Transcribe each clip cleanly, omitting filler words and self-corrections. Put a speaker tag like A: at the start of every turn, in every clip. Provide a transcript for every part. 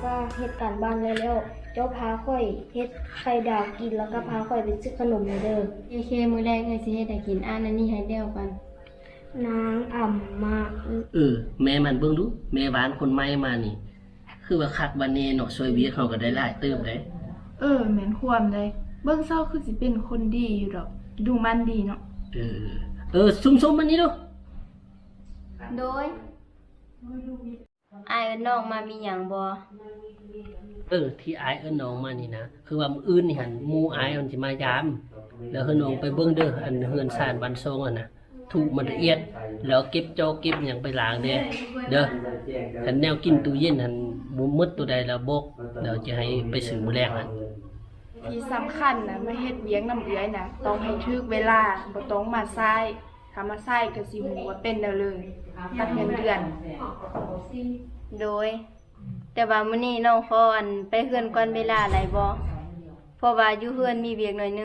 A: ก็เฮ็ดการบ้านแล้วเจ้าพาข่อยเฮ็ดไข่ดาวกินแล้วก็พาข่อยไปซื้อขนมเด้อ
B: เคมื้อแรกเอ้ยสิเฮ็ดให้กินอันนี้ให้เดียวกัน
A: นางอ่ำมา
C: แม่มันเบิ่งดูแม่บ้านคนใหม่มานี่คือว่าคักบันเนเนาะช่วยเวียเขาก็ได้หลายเติมได้
D: แม่นความได้เบิ่งเศร้าคือสิเป็นคนดีอยู่ดอกดูมันดีเนาะ
C: ซุ่มๆมันนี่ดู
B: โดยอ้ายน้องมามีหยังบ่
C: ที่อ้ายน้องมานี่นะคือว่ามื้ออื่นนี่หั่นหมู่อ้ายมันสิมายามแล้วน้องไปเบิ่งเด้ออันเฮือนซ่านบ้านซงอ่ะนะถูกมันละเอียดแล้วเก็บจอเก็บหยังไปล้างเด้อคันแนวกินตู้เย็นหั่นบ่หมดตัวใดแล้วบอกแล้วจะให้ไปซื้อมื้อแรงหั่น
D: ที่สำคัญนะมาเฮ็ดเลี้ยงน้ำเอื้อยนะต้องให้ถึกเวลาบ่ต้องมาซ้ายถ้ามาซ้ายก็สิฮู้ว่าเป็นแล้วเลยตัดเงินเดือน
B: โดยแต่ว่ามื้อนี้น้องขอไปเฮือนก่อนเวลาหลายบ่เพราะว่าอยู่เฮือนมีเวียกหน่อยนึง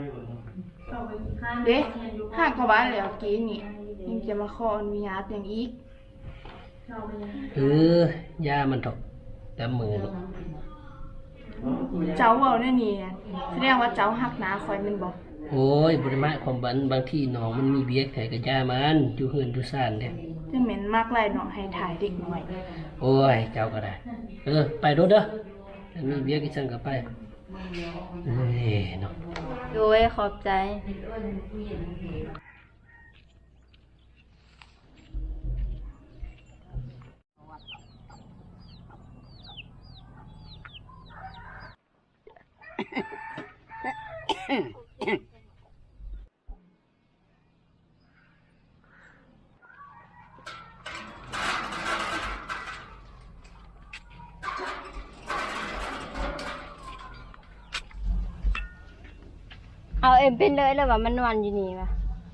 D: เด้หากเข้าบ้านแล้วกี้นี่ยังจะมาขออนุญาตอย่างอีก
C: ย่ามันตกแต่มือ
D: เจ้าเว้าแน่นี่แสดงว่าเจ้าฮักหนาข่อยแม่นบ่
C: โอ้ยบ่ได้หมายความบางทีน้องมันมีเวียกแต่ก็ย่ามันอยู่เฮือนอยู่ซ่านเด้
D: จังแม่นมักหลายน้องให้ถ่ายเด็กน้อย
C: โอ้ยเจ้าก็ได้ไปโดดเด้อมีเวียกอีจังก็ไปเนาะ
B: โดยขอบใจเอาเอ็มเป็นเลยแล้วว่ามันนอนอยู่นี่วะ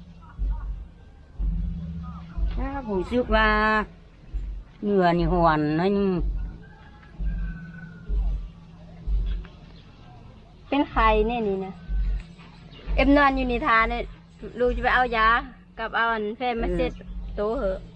E: ผมซึกว่าเหงื่อนี่หวนน้อยนึง
B: เป็นใครเนี่ยนี่นะเอ็มนอนอยู่ในทาเนี่ยลูกจะไปเอายากับเอาแฟนมาเซ็ตโตเหอะ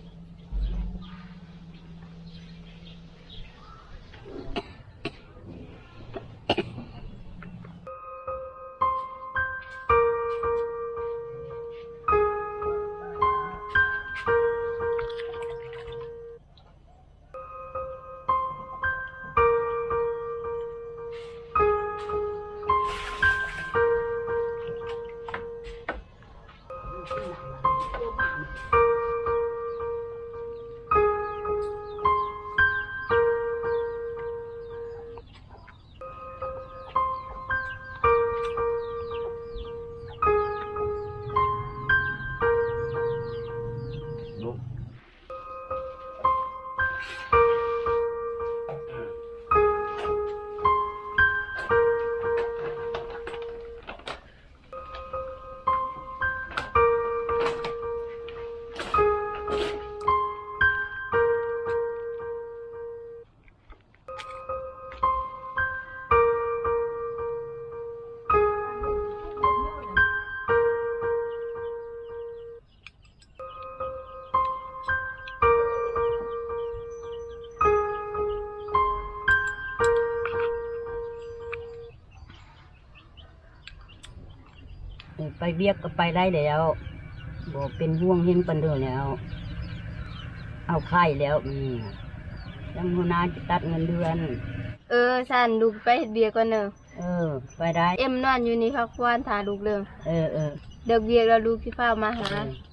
E: ไปเบียกก็ไปได้แล้วบอกเป็นห่วงเห็นปันเดอแล้วเอาไข่แล้วยังหัวหน้าจะตัดเงินเดือน
B: สันลูกไปเบียก่อนเนอะ
E: ไปได้
B: เอ็มนอนอยู่นี่พักควานทาลูกเรื่องเดี๋ยวเบียแล้วลูกที่เฝ้ามาหา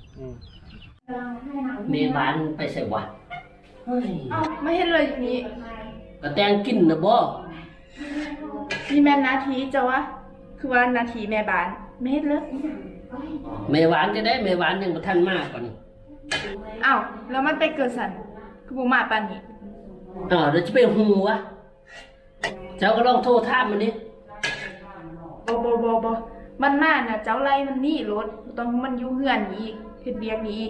C: เมบ้านไปใส่วัด
D: ไม่เห็นเลยนี่
C: ก็แต่งกินนะบ่
D: นี่แม่นาทีเจ้าวะคือว่านาทีแม่บ้านไม่เห็นเลย
C: แม่หวานจะได้แม่หวานยังบ่ทันมากกว่านี้
D: แล้วมันไปเกิดสันคือบ่มาปานนี้
C: เดี๋ยวจะไปหูวะเจ้าก็ลองโทรถามมันดิ
D: บ่มันมาน่ะเจ้าไล่มันนี่รถต้องมันอยู่เฮือนอีกเฮ็ดเบียกนี้อีก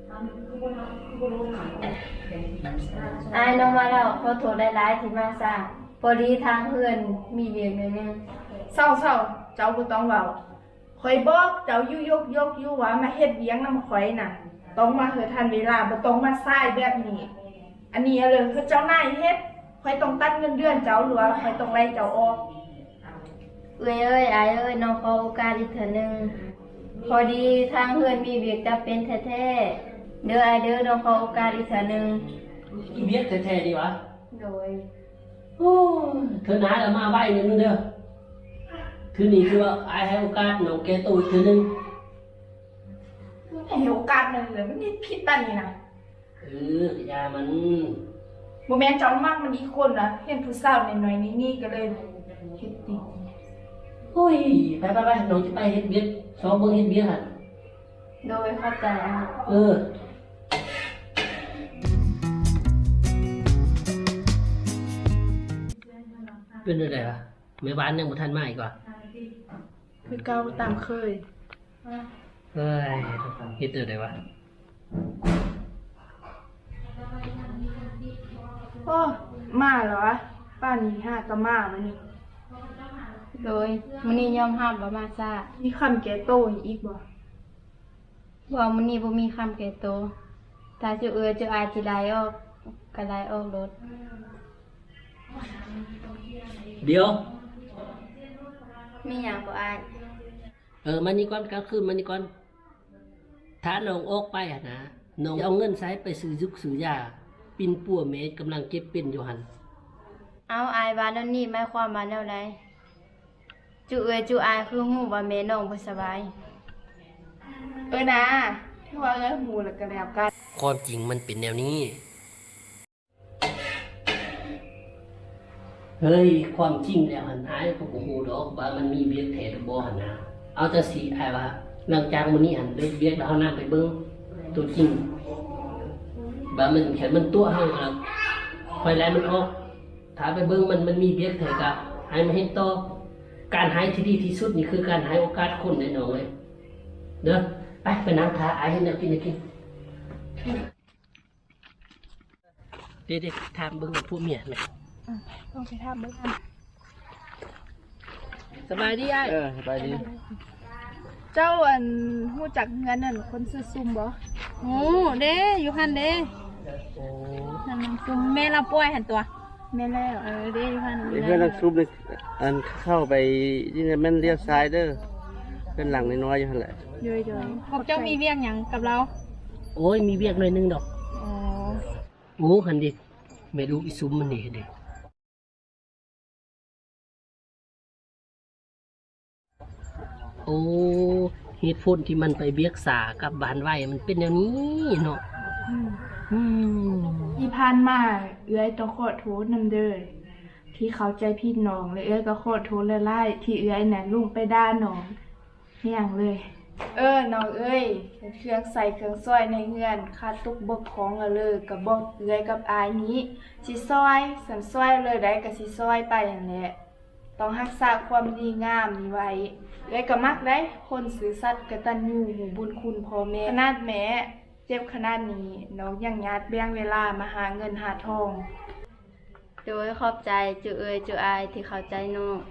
B: อายน้องมาแล้วขอโทษหลายๆที่มาซ่าพอดีทางเฮือนมีเบียกหน่อยนึง
D: เศร้าเจ้าบ่ต้องเว้าข่อยบอกเจ้าอยู่ยกอยู่ว่ามาเฮ็ดเวียงนำข่อยน่ะต้องมาเฮ็ดทันเวลาบ่ต้องมาซ้ายแบบนี้อันนี้เลยคือเจ้านายเฮ็ดข่อยต้องตัดเงินเดือนเจ้าหรือว่าข่อยต้องไล่เจ้าออก
B: เอ้ยอายเอ้ยน้องขอโอกาสอีกเทื่อหนึงพอดีทางเฮือนมีเวียกจำเป็นแท้ๆเด้ออายเด้อน้องขอโอกาสอีกเทื่อหนึง
C: อีเบียกแท้ๆดีวะ
B: โดย
C: โอ้ยเธอหนาแล้วมาไหวนิดนึงเด้อคือนี่คือว่าไอ้ให้โอกาสน้องแกตัวอีกเทื่อนึง
D: ให้โอกาสหนึงเลยมันนี่ผิดปานนี้นะ
C: ยามัน
D: บ่แม่นเจ้ามากมันอีกคนนะเห็นผู้สาวน้อยๆนี่ก็เลยเฮ็ดติ
C: โอ้ยไปน้องจะไปเฮ็ดเบียกซ้อมเบิ่งเฮ็ดเบียกหั่น
B: โดยเข้าใจอ่ะ
C: เป็นอะไรวะแม่บ้านยังบ่ทันมาอีกว่ะ
D: คือเก่าตามเคย
C: เฮ้ยเฮ็ดอะไรวะ
D: โอ้มาเหรอวะป้านี่ห้าก็มามานี่
B: โดยมื้อนี้ยอมรับว่ามาซ่า
D: มีคำแก่โตอีกบ่
B: ว่ามื้อนี้บ่มีคำแก่โตวถ้าเจ้าเอ้ยเจ้าอายสิไล่ออกก็ไล่ออกรถ
C: เดี๋ยว
B: มีหยังบ่อาย
C: มานี่ก่อนกลางคืนมานี่ก่อนถ้าน้องออกไปอะนะน้องเอาเงินใช้ไปซื้อยุกซื้อยาปิ่นปัวเมตรกำลังเก็บเป็นอยู่หั่น
B: เอาอายว่าแนวนี้หมายความว่าแนวใดเจ้าเอ้ยเจ้าอายคือฮู้ว่าแม่น้องบ่สบาย
D: นะที่ว่าเอ้ยหมู่แล้วก็แล้วกัน
C: ความจริงมันเป็นแนวนี้ เฮ้ย ความจริงแล้วหันอายก็บ่ฮู้ดอกว่ามันมีเบียกแท้หรือบ่หันนะเอาแต่สิอายว่าหลังจากมื้อนี้หันได้เบียกแล้วเฮานำไปเบิ่งตัวจริงว่ามันแค่มันตัวเฮาแล้วค่อยไล่มันออกถ้าไปเบิ่งมันมีเบียกแท้ก็ให้มันเฮ็ดต่อการหายที่ดีที่สุดนี่คือการให้โอกาสคนแน่นอนเว้ยเด้อไปนั่งทาอายให้แนวกินกินเด็กๆถามเบิ่งพวกเมียแม่
D: ต้องไปถามเบิ่งกัน
C: สบายดีอ้าย
F: สบายดี
D: เจ้าฮู้จักเงินนั่นคนซื้อซุ่มบ่
G: โอ้เด้อยู่หันเด้
C: โอ้
G: นั่นมันซุมแม่เราป่วยหันตัว
D: แม่แล้ว
G: เด้อยู่หัน
F: เพื่อนนักซุปเลยอันเข้าไปที่นี่แม่นเลี้ยวซ้ายเด้อเป็นหลังน้อยๆอยู่หั่นแหละ
D: เยย
G: พวกเจ้ามีเวียงหยังกับเรา
C: โอ้ยมีเวียกหน่อยนึงดอก
G: อ๋อ
C: โอ้หันดิแม่ลูกอีซุมมันนี่เด็โอ้เหตุผลที่มันไปเบียกษากับบานไว้มันเป็นอย่างนี้เนาะอืม
D: ที่ผ่านมาเอื้อยต้องขอโทษนำเด้อที่เข้าใจผิดน้องและเอื้อยก็ขอโทษหลายๆที่เอื้อยน่ะลุงไปด่าน้องเฮียงเลย น้องเอ้ยเครื่องใส่เครื่องซอยในเฮือนขาดตุกบกของละเลยก็บอกเอื้อยกับอายนี้สิซอยสันซอยเลยได้ก็สิซอยไปอย่างแหละต้องรักษาความดีงามนี้ไว้เอื้อยก็มักได้คนซื่อสัตย์กตัญญูหูบุญคุณพ่อแม่ขนาดแม่เจ็บขนาดนี้น้องยังยัดแบ่งเวลามาหาเงินหาทอง
B: โดยขอบใจเจ้าเอ้ยเจ้าอายที่เข้าใจน้อง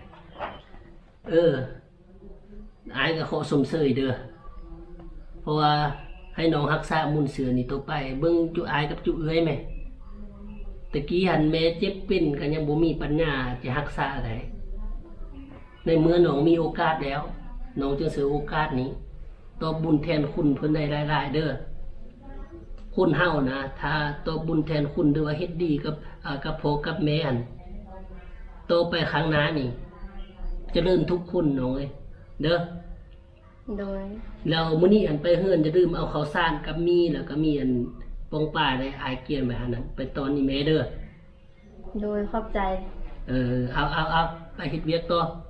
C: อายก็ขอสมเสยเด้อเพราะว่าให้น้องรักษามุนเสือนี่ตัวไปเบิ่งจุอายกับจุเอ้ยแม่ตะกี้หันแม่เจ็บเป็นก็ยังบ่มีปัญญาจะรักษาได้ในเมื่อน้องมีโอกาสแล้วน้องจึงเสือโอกาสนี้ตอบบุญแทนคุณเพิ่นได้หลายๆเด้อคนเฮานะถ้าตอบบุญแทนคุณหรือว่าเฮ็ดดีกับพ่อกับแม่หั่นโตไปข้างหน้านี่เจริญทุกคนน้องเอ้ยเด้อ
B: โดย
C: แล้วมื้อนี้อันไปเฮือนจะลืมเอาข้าวสารกับมีแล้วก็มีอันปองป่าได้อายเกียนไปหานั้นไปตอนนี้แม่เด้อ
B: โดยขอบใจ
C: เอาไปเฮ็ดเวียกต่อ